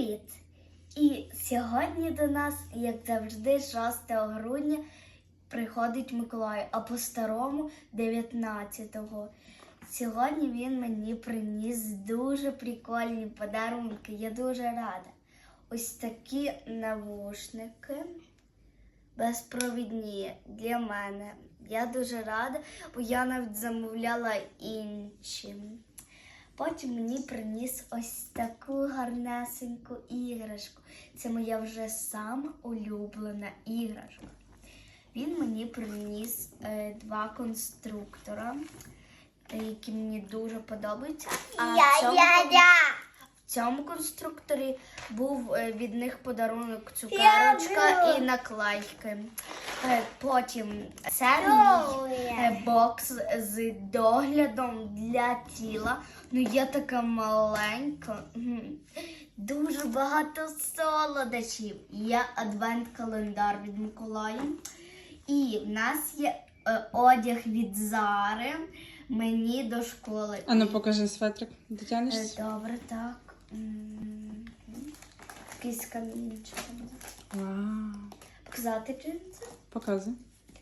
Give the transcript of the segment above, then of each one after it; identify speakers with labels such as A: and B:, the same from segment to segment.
A: Привіт! І сьогодні до нас, як завжди, 6 грудня приходить Миколай, а по-старому 19-го. Сьогодні він мені приніс дуже прикольні подарунки. Я дуже рада. Ось такі навушники безпровідні для мене. Я дуже рада, бо я навіть замовляла інші. Потім мені приніс ось таку гарнесеньку іграшку. Це моя вже сама улюблена іграшка. Він мені приніс 2 конструктора, які мені дуже подобаються. В цьому конструкторі був від них подарунок цукерочка і наклейки. Потім це мій бокс з доглядом для тіла. Ну я така маленька. Дуже багато солодощів. Є адвент-календар від Миколая. І в нас є одяг від Зари мені до школи.
B: А ну покажи светрик. Дотягнешся?
A: Добре, так. Якийсь камінчик.
B: Вау.
A: Показати джинси?
B: Показуй.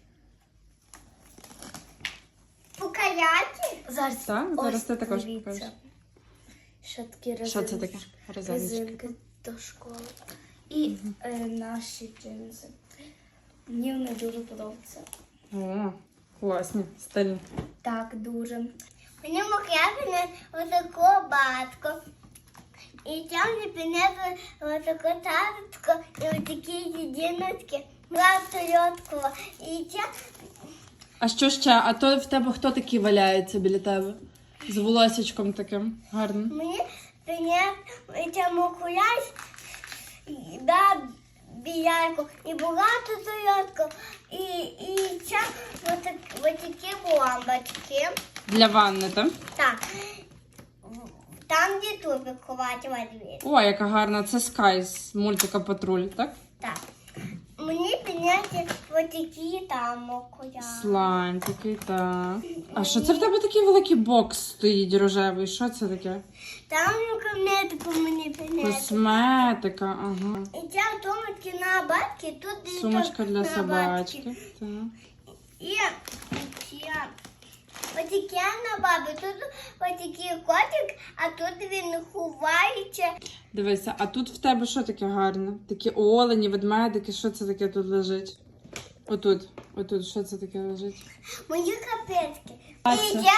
A: Показати? Зараз.
B: Так, зараз ти також
A: дивіться.
B: покажеш.
A: Що такі резинки?
B: Що це таке?
A: Резинки до школи. І наші джинси. Мені вони дуже подобаються.
B: О, класні, стильні.
A: Так, дуже.
C: Мені мокряти отаку батку. І там мені принесли отаку таточку і отакі єдиночки. Тойоткова. І це
B: А що ще? А то в тебе хто такий валяється біля тебе? З волосечком таким гарним.
C: мені принесли мокряч, да, біляйку. І багато тойотку. І це отакі бомбочки.
B: Для ванни, так?
C: Так. Там, де тубик ховати водвір.
B: О, яка гарна. Це Скай з мультика Патруль, так?
C: Так. Мені підняти отакі там мокря.
B: Слайм такий, так. А що це в тебе такий великий бокс стоїть рожевий? Що це таке?
C: Там косметику мені підняти.
B: Косметика, ага.
C: І ця сумочки на батки, тут і
B: Сумочка для
C: на
B: собачки.
C: батки.
B: Так.
C: І ще отакі на бабі. Тут отакий котик, а тут він ховається.
B: Дивися, а тут в тебе що таке гарне? Такі олені, ведмедики, що це таке тут лежить? Отут, що це таке лежить?
C: Мої капетки.
B: А
C: І
B: це?
C: ця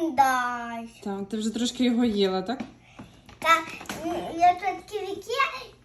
C: календар.
B: Так, ти вже трошки його їла, так?
C: Так, я тут ківіки